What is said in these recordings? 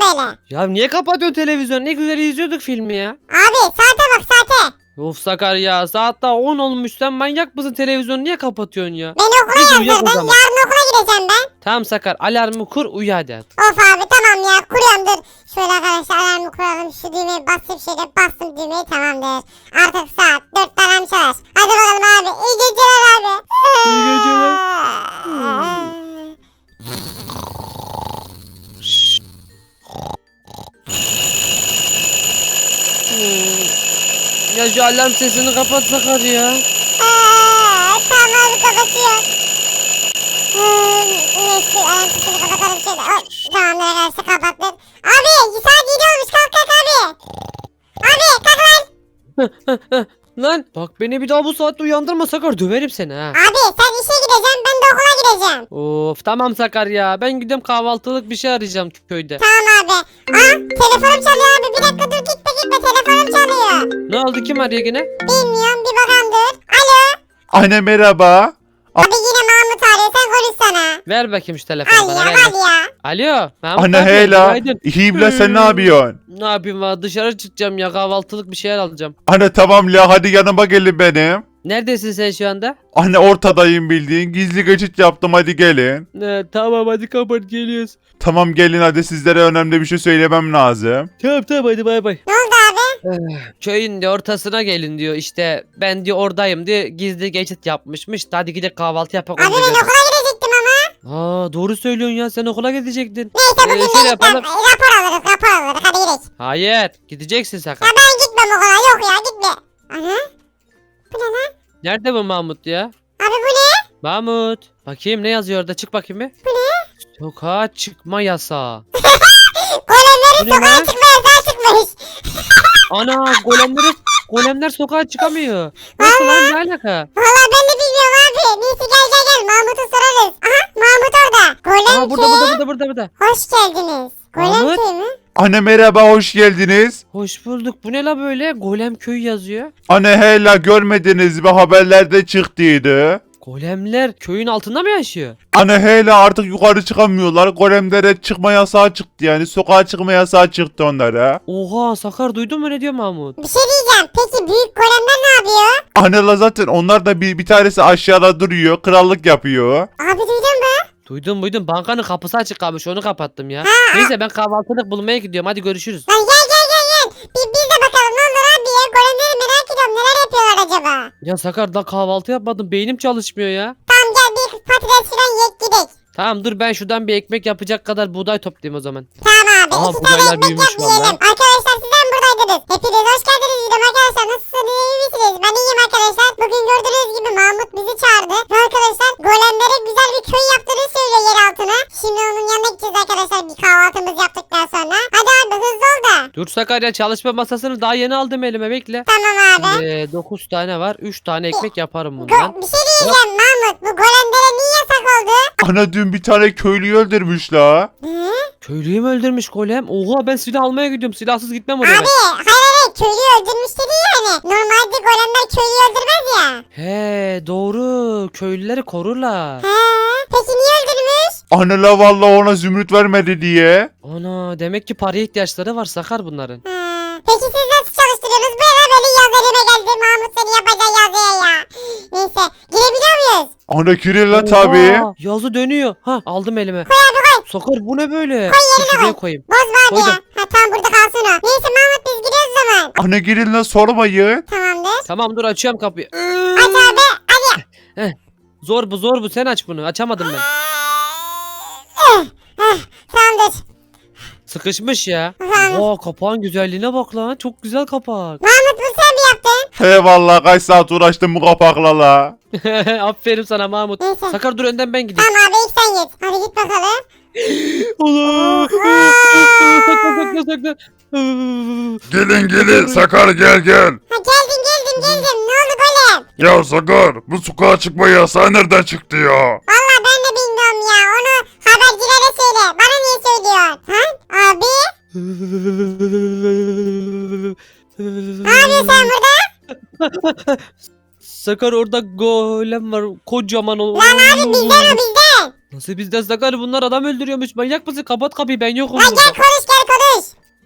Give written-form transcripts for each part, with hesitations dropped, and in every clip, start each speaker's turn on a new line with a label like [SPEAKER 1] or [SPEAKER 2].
[SPEAKER 1] böyle?
[SPEAKER 2] Ya niye kapatıyorsun televizyonu? Ne güzel izliyorduk filmi ya.
[SPEAKER 1] Abi saate bak saate.
[SPEAKER 2] Of Sakar ya, saat daha 10 olmuş, sen manyak mısın, televizyonu niye kapatıyorsun ya?
[SPEAKER 1] Beni
[SPEAKER 2] Biz
[SPEAKER 1] okula
[SPEAKER 2] uyuyak o
[SPEAKER 1] yazdırdın.
[SPEAKER 2] zaman.
[SPEAKER 1] Yarın okula gideceğim ben.
[SPEAKER 2] Tamam Sakar, alarmı kur, uyu hadi.
[SPEAKER 1] Of abi tamam ya kuruyorum dur. Şöyle arkadaşlar alarmı kuralım. Şu düğmeyi bastım şöyle bastım düğmeyi tamamdır. Artık saat 4'te alarm çalar. Hadi bakalım abi. İyi geceler abi.
[SPEAKER 2] İyi geceler. Ya şu alarm sesini kapat Sakar ya.
[SPEAKER 1] Tamam abi kapatıyor. Neyse alarm sesini kapatalım şöyle. Hop, tamamdır arkadaşlar kapattık. Abi saat 7 olmuş kalk kalk abi. Abi kalk lan.
[SPEAKER 2] Lan bak, beni bir daha bu saatte uyandırma Sakar, döverim seni ha.
[SPEAKER 1] Abi sen işe gideceksin ben de okula gideceğim.
[SPEAKER 2] Of tamam Sakar ya, ben gidiyorum kahvaltılık bir şey arayacağım köyde.
[SPEAKER 1] Tamam abi. Telefonum çalıyor abi. Bir dakika dur gitme gitme telefonum çalıyor.
[SPEAKER 2] Ne oldu, kim arıyor yine?
[SPEAKER 1] Bilmiyorum bir bakalım dur. Alo.
[SPEAKER 3] Anne merhaba.
[SPEAKER 1] Abi yine Mahmut arıyor sen konuşsana.
[SPEAKER 2] Ver bakayım şu telefonu
[SPEAKER 1] Al
[SPEAKER 2] bana,
[SPEAKER 1] ya
[SPEAKER 2] ver.
[SPEAKER 1] hadi ya.
[SPEAKER 2] Alo Mahmut
[SPEAKER 3] Anne
[SPEAKER 2] abi,
[SPEAKER 3] heyla.
[SPEAKER 2] günaydın.
[SPEAKER 3] İyiyim la, sen ne yapıyorsun?
[SPEAKER 2] Ne yapayım valla, dışarı çıkacağım ya, kahvaltılık bir şeyler alacağım.
[SPEAKER 3] Anne tamam la, hadi yanıma gelin benim.
[SPEAKER 2] Neredesin sen şu anda?
[SPEAKER 3] Anne ortadayım bildiğin. Gizli geçit yaptım, hadi gelin.
[SPEAKER 2] Tamam hadi kapat, geliyoruz.
[SPEAKER 3] Tamam gelin hadi, sizlere önemli bir şey söylemem lazım.
[SPEAKER 2] Tamam hadi bay bay.
[SPEAKER 1] Ne oldu abi?
[SPEAKER 2] Köyün de ortasına gelin diyor, işte ben diyor oradayım diyor, gizli geçit yapmışmış. Hadi gidelim kahvaltı yapalım.
[SPEAKER 1] Abi ben okula gidecektim ama.
[SPEAKER 2] Doğru söylüyorsun ya, sen okula gidecektin.
[SPEAKER 1] Neyse bugün de
[SPEAKER 2] şöyle
[SPEAKER 1] gitmem.
[SPEAKER 2] yapalım.
[SPEAKER 1] Rapor alırız hadi gidelim.
[SPEAKER 2] Hayır, gideceksin Sakar.
[SPEAKER 1] Ya ben gitmem okula yok ya gitme. Ana. Bu ne lan?
[SPEAKER 2] Nerede bu Mahmut ya?
[SPEAKER 1] Abi bu ne?
[SPEAKER 2] Mahmut. Bakayım ne yazıyor orada, çık bakayım bir.
[SPEAKER 1] Bu ne?
[SPEAKER 2] Sokağa çıkma yasağı.
[SPEAKER 1] Golemlerin
[SPEAKER 2] Bu ne
[SPEAKER 1] sokağa
[SPEAKER 2] lan?
[SPEAKER 1] çıkma yasağı çıkmış.
[SPEAKER 2] Ana, golemler sokağa çıkamıyor. Nasıl lan, ne alaka?
[SPEAKER 1] Valla ben de bilmiyorum abi. Neyse gel Mahmut'u sorarız. Aha Mahmut orada. Golem
[SPEAKER 2] Aa, burada.
[SPEAKER 1] Hoş geldiniz. Golem
[SPEAKER 2] Mahmut.
[SPEAKER 1] köy mü?
[SPEAKER 3] Anne merhaba, hoş geldiniz.
[SPEAKER 2] Hoş bulduk. Bu ne la böyle? Golem köyü yazıyor.
[SPEAKER 3] Anne heyla, görmediniz mi, haberlerde çıktıydı.
[SPEAKER 2] Golemler köyün altında mı yaşıyor?
[SPEAKER 3] Anne heyla artık yukarı çıkamıyorlar. Golemlere çıkma yasağı çıktı, yani sokağa çıkma yasağı çıktı onlara.
[SPEAKER 2] Oha Sakar, duydun mu ne diyor Mahmut?
[SPEAKER 1] Bir şey diyeceğim. Peki büyük golemler ne yapıyor?
[SPEAKER 3] Anne la zaten onlar da bir tanesi aşağıda duruyor, krallık yapıyor.
[SPEAKER 1] Abi duydun mu?
[SPEAKER 2] Duydum, bankanın kapısı açık kalmış, onu kapattım ya. Neyse ben kahvaltılık bulmaya gidiyorum, hadi görüşürüz.
[SPEAKER 1] Lan gel. Biz de bakalım ne olur abi ya. Golemleri merak ediyorum. Neler yapıyorlar acaba?
[SPEAKER 2] Ya Sakar, daha kahvaltı yapmadım, beynim çalışmıyor ya.
[SPEAKER 1] Tamam gel bir patates falan yiyek gidelim.
[SPEAKER 2] Tamam dur, ben şuradan bir ekmek yapacak kadar buğday toplayayım o zaman.
[SPEAKER 1] Tamam abi.
[SPEAKER 2] Aha,
[SPEAKER 1] İki
[SPEAKER 2] buğdaylar
[SPEAKER 1] tane ekmek
[SPEAKER 2] büyümüş
[SPEAKER 1] yap yiyelim.
[SPEAKER 2] vallahi.
[SPEAKER 1] Arkadaşlar sizden buradaydınız. Hepiniz hoş geldiniz dedim arkadaşlar. Nasılsınız? İyi misiniz? Ben iyiyim arkadaşlar. Bugün gördüğünüz gibi Mahmut bizi çağırdı. Ve arkadaşlar golemlere güzel bir köy yaptığını söylüyor yer altına. Şimdi onun yanına gideceğiz arkadaşlar. Bir kahvaltımızı yaptıktan sonra. Hadi abi hızlı ol da.
[SPEAKER 2] Dur Sakar ya, çalışma masasını daha yeni aldım elime, bekle.
[SPEAKER 1] Tamam abi.
[SPEAKER 2] 9 tane var, 3 tane ekmek yaparım bundan.
[SPEAKER 1] Bir şey diyeceğim Mahmut. Bu golemlere niye yasak oldu?
[SPEAKER 3] Ana dün bir tane köylüyü öldürmüş la.
[SPEAKER 1] Hı?
[SPEAKER 2] Köylüyü mü öldürmüş golem? Oha, ben silah almaya gidiyorum, silahsız gitmem oraya.
[SPEAKER 1] Abi hayır köylüyü öldürmüş dedi yani. Normalde golemler köylüyü öldürmez ya.
[SPEAKER 2] He doğru, köylüleri korurlar.
[SPEAKER 1] He. Peki niye öldürmüş?
[SPEAKER 3] Anne la vallahi ona zümrüt vermedi diye.
[SPEAKER 2] Ana, demek ki paraya ihtiyaçları var Sakar bunların.
[SPEAKER 1] Peki siz nasıl çalıştırıyorsunuz? Böyle yaz elime geldi. Mahmut seni yapacağı yazıya ya. Neyse girebiliyor muyuz?
[SPEAKER 3] Anne kiril la
[SPEAKER 2] Oha,
[SPEAKER 3] tabi.
[SPEAKER 2] yazı dönüyor. Ha, aldım elime.
[SPEAKER 1] Koy abi koy.
[SPEAKER 2] Sakar bu ne böyle?
[SPEAKER 1] Koy
[SPEAKER 2] Dur,
[SPEAKER 1] yerine
[SPEAKER 2] şuraya
[SPEAKER 1] koy.
[SPEAKER 2] koyayım.
[SPEAKER 1] Bozma abi
[SPEAKER 2] Koydum.
[SPEAKER 1] ya. Ha tamam burada kalsın o. Neyse Mahmut biz gidiyoruz o zaman.
[SPEAKER 3] Anne girin la, sormayın.
[SPEAKER 1] Tamamdır.
[SPEAKER 2] Tamam dur, açıyorum kapıyı.
[SPEAKER 1] Aç abi. Hadi.
[SPEAKER 2] Zor bu, sen aç bunu, açamadım ben.
[SPEAKER 1] Tamamdır.
[SPEAKER 2] Sıkışmış ya.
[SPEAKER 1] Tamam.
[SPEAKER 2] Oha, kapağın güzelliğine bak lan, çok güzel kapak.
[SPEAKER 1] Mahmut bu sen mi yaptın?
[SPEAKER 3] He vallahi kaç saat uğraştım bu kapakla la.
[SPEAKER 2] Aferin sana Mahmut.
[SPEAKER 1] Neyse.
[SPEAKER 2] Sakar dur, önden ben gideyim.
[SPEAKER 1] Tamam abi ilk sen git. Hadi git bakalım.
[SPEAKER 2] Allah. Sakla.
[SPEAKER 4] Gelin Sakar gel.
[SPEAKER 1] Ha geldim. Ne oldu golem?
[SPEAKER 4] Ya Sakar bu sokağa çıkma yasağı nereden çıktı ya?
[SPEAKER 1] Valla ben de bilmiyorum ya. Onu habercilere söyle. Bana niye söylüyorsun? Ha? Abi? Ne yapıyorsun sen burada?
[SPEAKER 2] Sakar, orada golem var, kocaman o.
[SPEAKER 1] Lan abi bizden o bizden. bizden.
[SPEAKER 2] Nasıl bizden Sakar? Bunlar adam öldürüyormuş. Manyak mısın? Kapat kapıyı, ben yokum
[SPEAKER 1] Lan
[SPEAKER 2] burada.
[SPEAKER 1] gel konuş.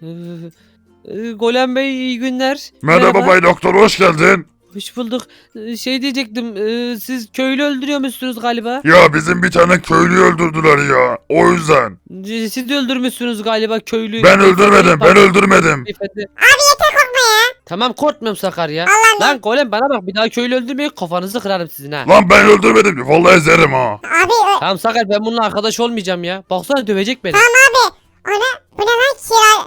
[SPEAKER 2] Golem Bey iyi günler.
[SPEAKER 4] Merhaba Bay Doktor, hoş geldin.
[SPEAKER 2] Hoş bulduk. Şey diyecektim. Siz köylü öldürüyormuşsunuz galiba.
[SPEAKER 4] Ya bizim bir tane köylüyü öldürdüler ya. O yüzden.
[SPEAKER 2] Siz de öldürmüşsünüz galiba köylüyü.
[SPEAKER 4] Ben öldürmedim, ben öldürmedim.
[SPEAKER 2] Beyefendi.
[SPEAKER 1] Abi yeter korkma ya.
[SPEAKER 2] Tamam, korkmuyorum Sakar ya.
[SPEAKER 1] Allah'ım ya.
[SPEAKER 2] Lan Golem, bana bak, bir daha köylü öldürmeyin, kafanızı kırarım sizin ha.
[SPEAKER 4] Lan ben öldürmedim. Vallahi ezerim ha.
[SPEAKER 1] Abi
[SPEAKER 2] Tamam Sakar, ben bununla arkadaş olmayacağım ya. Baksana, dövecek beni.
[SPEAKER 1] tamam abi. Bu ne lan kira?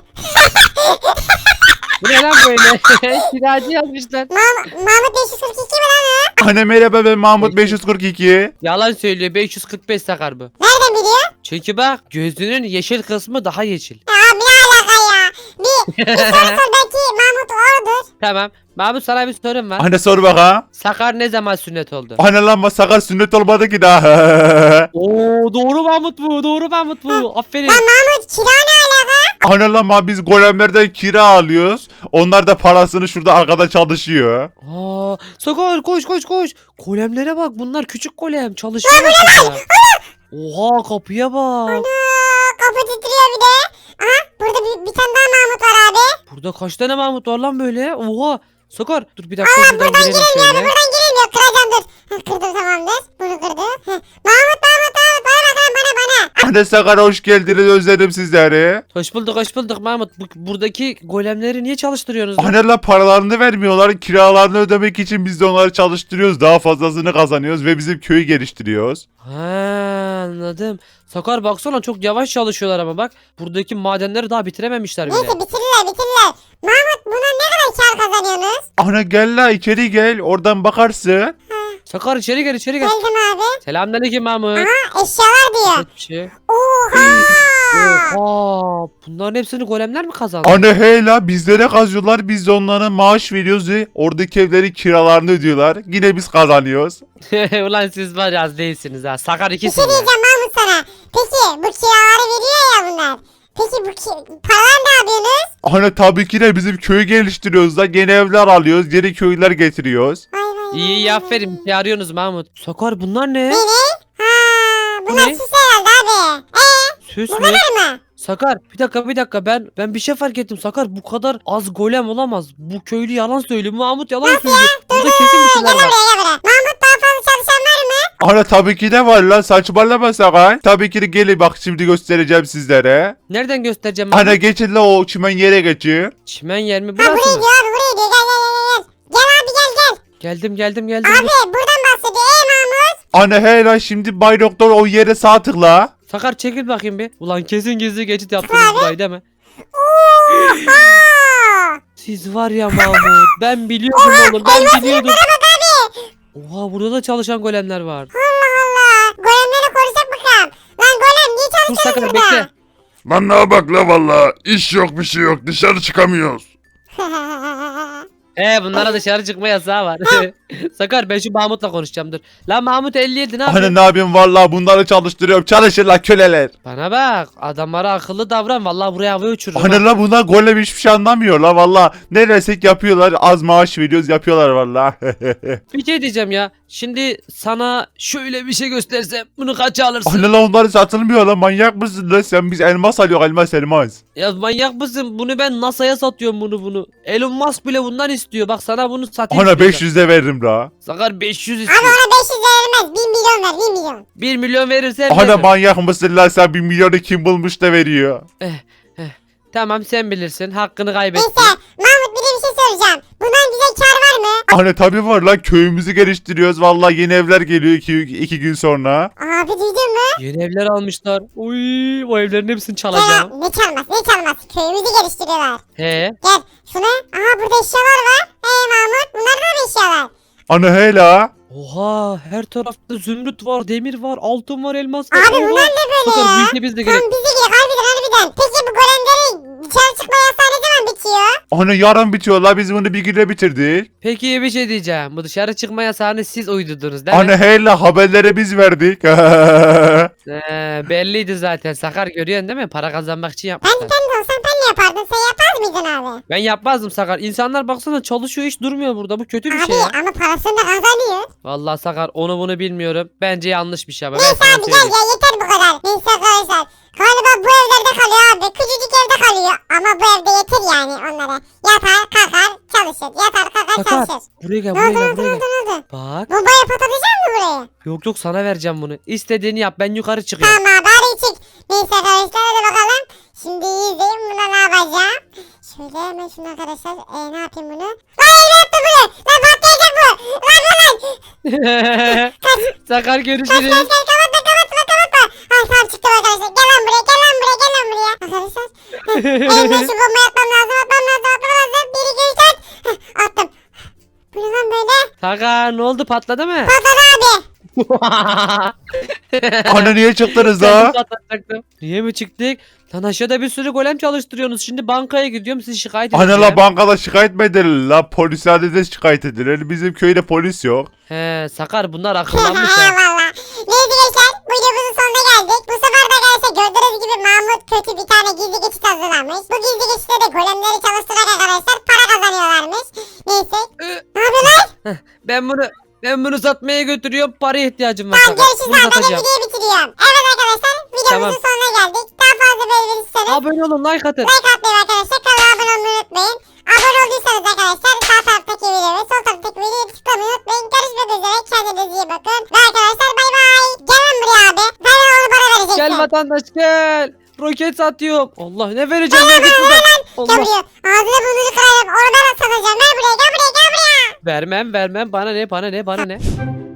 [SPEAKER 2] Bu ne lan böyle? Kiracı yazmışlar.
[SPEAKER 1] Mahmut 542 mi lan o?
[SPEAKER 3] Anne merhaba, ben Mahmut 542.
[SPEAKER 2] Yalan söylüyor, 545 Sakar bu.
[SPEAKER 1] Nereden biliyor?
[SPEAKER 2] Çünkü bak, gözünün yeşil kısmı daha yeşil.
[SPEAKER 1] Abi ne alaka ya? Bir soru sor belki Mahmut odur.
[SPEAKER 2] Tamam. Mahmut, sana bir sorum var.
[SPEAKER 3] Anne sor bak ha.
[SPEAKER 2] Sakar ne zaman sünnet oldu?
[SPEAKER 3] Anne lan Sakar sünnet olmadı ki daha.
[SPEAKER 2] Oo, doğru Mahmut bu. Doğru Mahmut bu. Aferin.
[SPEAKER 1] Lan Mahmut kira ne alaka?
[SPEAKER 3] Anne lan biz golemlerden kira alıyoruz. Onlar da parasını şurada arkada çalışıyor.
[SPEAKER 2] Aa, Sakar koş koş koş. Golemlere bak, bunlar küçük golem. Çalışıyor burada. Oha, kapıya bak.
[SPEAKER 1] Kapı titriyor bir de. Aha burada bir tane daha Mahmut var abi.
[SPEAKER 2] Burada kaç tane Mahmut var lan böyle? Oha. Sakar dur bir dakika,
[SPEAKER 1] Allah
[SPEAKER 2] buradan
[SPEAKER 1] buradan
[SPEAKER 2] girelim
[SPEAKER 1] girilmiyor abi
[SPEAKER 2] şöyle.
[SPEAKER 1] buradan girilmiyor. Kıracağım dur. Kırdım tamamdır. Bunu kırdım. Mahmut bana bak lan bana.
[SPEAKER 3] Anne Sakar hoş geldiniz, özledim sizleri.
[SPEAKER 2] Hoş bulduk Mahmut. Buradaki golemleri niye çalıştırıyorsunuz lan?
[SPEAKER 3] Anne lan paralarını vermiyorlar. Kiralarını ödemek için biz de onları çalıştırıyoruz. Daha fazlasını kazanıyoruz ve bizim köyü geliştiriyoruz.
[SPEAKER 2] Ha, anladım. Sakar baksana, çok yavaş çalışıyorlar ama bak. Buradaki madenleri daha bitirememişler bile.
[SPEAKER 1] Neyse bitirirler. Mahmut buna ne kadar kar kazanıyorsunuz?
[SPEAKER 3] Anne gel la içeri gel, oradan bakarsın.
[SPEAKER 2] Sakar içeri gel.
[SPEAKER 1] Geldim abi.
[SPEAKER 2] Selamünaleyküm Mahmut.
[SPEAKER 1] Aha eşyalar diyor.
[SPEAKER 2] Evet, bir şey.
[SPEAKER 1] Oha.
[SPEAKER 2] Oha. Bunların hepsini golemler mi kazandı?
[SPEAKER 3] Anne hey la, bizlere kazıyorlar, biz de onlara maaş veriyoruz ve oradaki evlerin kiralarını ödüyorlar. Yine biz kazanıyoruz.
[SPEAKER 2] Ulan siz var ya, az değilsiniz ha. Sakar
[SPEAKER 1] Bir
[SPEAKER 2] ikisin
[SPEAKER 1] şey
[SPEAKER 2] ya.
[SPEAKER 1] diyeceğim Mahmut sana. Peki bu kiraları veriyor ya bunlar. Peki bu paralar ne yapıyorsunuz?
[SPEAKER 3] Anne tabii ki de bizim köyü geliştiriyoruz da yeni evler alıyoruz, yeni köyler getiriyoruz.
[SPEAKER 1] Vay.
[SPEAKER 2] İyi aferin. Bir arıyorsunuz Mahmut. Sakar bunlar ne?
[SPEAKER 1] Ne? Ha, bunlar
[SPEAKER 2] Ne?
[SPEAKER 1] süs herhalde abi.
[SPEAKER 2] Süs
[SPEAKER 1] Bu
[SPEAKER 2] mü?
[SPEAKER 1] kadar mı?
[SPEAKER 2] Sakar bir dakika ben bir şey fark ettim. Sakar, bu kadar az golem olamaz. Bu köylü yalan söylüyor. Mahmut yalan söylüyor. Burada kesin bir şeyler
[SPEAKER 1] Gel
[SPEAKER 2] var.
[SPEAKER 1] buraya. Mahmut daha fazla çalışan var mı?
[SPEAKER 3] Anne tabii ki de var lan, saçmalama Sakar. Tabii ki de gelin bak, şimdi göstereceğim sizlere.
[SPEAKER 2] Nereden göstereceğim Mahmut?
[SPEAKER 3] Anne geçin la, o çimen yere geçin.
[SPEAKER 2] Çimen yer mi?
[SPEAKER 1] Ha
[SPEAKER 2] Burası
[SPEAKER 1] buraya
[SPEAKER 2] mı?
[SPEAKER 1] diyor abi buraya diyor. Gel. Gel abi gel.
[SPEAKER 2] Geldim.
[SPEAKER 1] Abi buradan bahsediyor. Mahmut.
[SPEAKER 3] Anne hey la, şimdi Bay Doktor o yere sağ tıkla.
[SPEAKER 2] Sakar çekil bakayım bir. Ulan kesin gizli geçit yaptınız burayı değil mi?
[SPEAKER 1] Oha.
[SPEAKER 2] Siz var ya Mahmut. Ben biliyordum oğlum. Ben biliyordum. Oha, burada da çalışan golemler var.
[SPEAKER 1] Allah. Golemleri konuşacak bakalım. Lan golem niye
[SPEAKER 2] Dur
[SPEAKER 1] çalışıyorsun
[SPEAKER 2] Sakar,
[SPEAKER 1] burada?
[SPEAKER 2] bekle.
[SPEAKER 4] Lan ne bak la valla. İş yok, bir şey yok. Dışarı çıkamıyoruz.
[SPEAKER 2] Bunlara dışarı çıkma yasağı var. Sakar, ben şu Mahmut'la konuşacağım, dur. Lan Mahmut 57 ne
[SPEAKER 3] Anne
[SPEAKER 2] yapıyorsun?
[SPEAKER 3] ne yapayım, vallahi bunları çalıştırıyorum. Çalışın la köleler.
[SPEAKER 2] Bana bak, adamlara akıllı davran, vallahi buraya havaya uçururum.
[SPEAKER 3] Anne la, bunlar golem hiçbir şey anlamıyor la, vallahi ne dersek yapıyorlar, az maaş veriyoruz, yapıyorlar vallahi.
[SPEAKER 2] Bir şey diyeceğim ya. Şimdi sana şöyle bir şey göstersem bunu kaça alırsın?
[SPEAKER 3] Anne la, onları satılmıyor la, manyak mısın la sen? Biz elmas alıyor, elmas.
[SPEAKER 2] Ya manyak mısın? Bunu ben NASA'ya satıyorum bunu. Elon Musk bile bundan istiyor. Bak sana bunu satayım.
[SPEAKER 3] Anne
[SPEAKER 2] istiyorsan.
[SPEAKER 3] 500'de veririm la.
[SPEAKER 2] Sakar 500
[SPEAKER 1] Abi
[SPEAKER 2] istiyor.
[SPEAKER 1] ona 500 verilmez. 1 milyon ver 1 milyon.
[SPEAKER 2] 1 milyon verirsen
[SPEAKER 3] Anne
[SPEAKER 2] veririm.
[SPEAKER 3] manyak mısın la sen, 1 milyonu kim bulmuş da veriyor.
[SPEAKER 2] Tamam, sen bilirsin. Hakkını kaybettin.
[SPEAKER 1] Neyse Mahmut bir de bir şey soracağım. Bundan güzel kar var mı?
[SPEAKER 3] Anne tabii var la, köyümüzü geliştiriyoruz, vallahi yeni evler geliyor 2 gün sonra.
[SPEAKER 1] Abi duydun mu?
[SPEAKER 2] Yeni evler almışlar. Uy, o evlerin hepsini çalacağım.
[SPEAKER 1] Ne çalmaz. Köyümüzü geliştiriyorlar.
[SPEAKER 2] He.
[SPEAKER 1] Gel şuna. Aha burada eşyalar var. Mahmut bunlar da mı eşyalar?
[SPEAKER 3] Anne hey la.
[SPEAKER 2] Oha, her tarafta zümrüt var, demir var, altın var, elmas var.
[SPEAKER 1] Abi
[SPEAKER 2] Oha.
[SPEAKER 1] bunlar ne böyle
[SPEAKER 2] Sakar,
[SPEAKER 1] ya?
[SPEAKER 2] bu işe biz de gerek.
[SPEAKER 1] Tam bize gerek harbiden. Peki bu golemleri dışarı çıkma yasağı ne zaman bitiyor?
[SPEAKER 3] Anne yarın bitiyor la, biz bunu bir günde bitirdik.
[SPEAKER 2] Peki bir şey diyeceğim. Bu dışarı çıkma yasağını siz uydurdunuz değil mi?
[SPEAKER 3] Anne hey la, haberleri biz verdik.
[SPEAKER 2] Belliydi zaten. Sakar, görüyorsun değil mi? Para kazanmak için
[SPEAKER 1] Ben
[SPEAKER 2] yapmışlar.
[SPEAKER 1] de olsam ben de mi yapardın? Sen yapmaz mıydın abi?
[SPEAKER 2] Ben yapmazdım Sakar. İnsanlar baksana çalışıyor hiç durmuyor burada. Bu kötü bir
[SPEAKER 1] Abi
[SPEAKER 2] şey ya.
[SPEAKER 1] ama parasını da kazanıyor.
[SPEAKER 2] Vallahi Sakar onu bunu bilmiyorum. Bence yanlış bir şey ama ben
[SPEAKER 1] Neyse
[SPEAKER 2] sana
[SPEAKER 1] abi gel
[SPEAKER 2] söyleyeyim.
[SPEAKER 1] ya yeter bu kadar. Neyse arkadaşlar. Galiba bu evlerde kalıyor abi. Küçücük evde kalıyor. Ama bu evde yeter yani onlara. Yatar kalkar çalışır. Yatar kalkar
[SPEAKER 2] Sakar
[SPEAKER 1] çalışır.
[SPEAKER 2] buraya gel
[SPEAKER 1] Ne
[SPEAKER 2] buraya
[SPEAKER 1] oldu ne
[SPEAKER 2] gel
[SPEAKER 1] oldu
[SPEAKER 2] buraya
[SPEAKER 1] ne
[SPEAKER 2] gel.
[SPEAKER 1] oldu ne oldu?
[SPEAKER 2] Bak.
[SPEAKER 1] Bombayı patlatacak mı buraya?
[SPEAKER 2] Yok yok sana vereceğim bunu. İstediğini yap ben yukarı çıkıyorum.
[SPEAKER 1] Tamam abi hadi çık. Neyse arkadaşlar hadi bakalım. Şimdi iyi izleyin buna ne yapacağım. Şöyle hemen şunu arkadaşlar. Ne yapayım bunu? Lan ne yaptı bunu? Lan patlayacak bu. Lan bu lan.
[SPEAKER 2] Sakar
[SPEAKER 1] Kaç
[SPEAKER 2] görüşürüz.
[SPEAKER 1] kapatma. Ah tamam çıktım arkadaşlar. Gel lan buraya gel lan buraya gel lan buraya. Arkadaşlar. Elimde şu bombayı atmam lazım. 1 2 3 4. Attım. Bu ne lan böyle?
[SPEAKER 2] Sakar ne oldu patladı mı?
[SPEAKER 1] Patladı abi.
[SPEAKER 3] Ana niye çıktınız
[SPEAKER 2] Kendim
[SPEAKER 3] la?
[SPEAKER 2] patlatacaktım. Niye mi çıktık? Lan aşağıda bir sürü golem çalıştırıyorsunuz. Şimdi bankaya gidiyorum sizi şikayet
[SPEAKER 3] Ana
[SPEAKER 2] edeceğim.
[SPEAKER 3] la bankada şikayet mi edilir la? Polise de şikayet edilir. Bizim köyde polis yok.
[SPEAKER 2] He Sakar bunlar akıllanmış ha.
[SPEAKER 1] Valla. Neyse gençler bu videomuzun sonuna geldik. Bu sefer de arkadaşlar gördüğünüz gibi Mahmut kötü bir tane gizli geçit hazırlamış. Bu gizli geçitte de golemleri çalıştırarak arkadaşlar para kazanıyorlarmış. Neyse. Ne yapıyorlar?
[SPEAKER 2] Ben bunu satmaya götürüyorum. Paraya ihtiyacım var.
[SPEAKER 1] Tamam
[SPEAKER 2] Sakar.
[SPEAKER 1] görüşürüz
[SPEAKER 2] Bunu
[SPEAKER 1] abi. Ben de
[SPEAKER 2] satacağım.
[SPEAKER 1] videoyu bitiriyorum. Evet arkadaşlar videomuzun
[SPEAKER 2] Tamam.
[SPEAKER 1] sonuna geldik. Daha fazla böyle verirseniz
[SPEAKER 2] Abone olun like atın.
[SPEAKER 1] like atmayı arkadaşlar. Kanala abone olmayı unutmayın. Abone olduysanız arkadaşlar sağ taraftaki videoyu ve sol taraftaki videoyu tıklamayı unutmayın. Görüşmek üzere. Kendinize iyi bakın. Ve arkadaşlar bay bay. Gel lan buraya abi. Ben onu bana vereceksin.
[SPEAKER 2] Gel vatandaş gel. Roket satıyorum. Allah ne vereceğim ben git buradan.
[SPEAKER 1] Gel
[SPEAKER 2] Allah.
[SPEAKER 1] buraya. Ağzını burnunu kırarım. Onu ben satacağım. Gel buraya. Gel buraya. Gel buraya.
[SPEAKER 2] Vermem bana ne.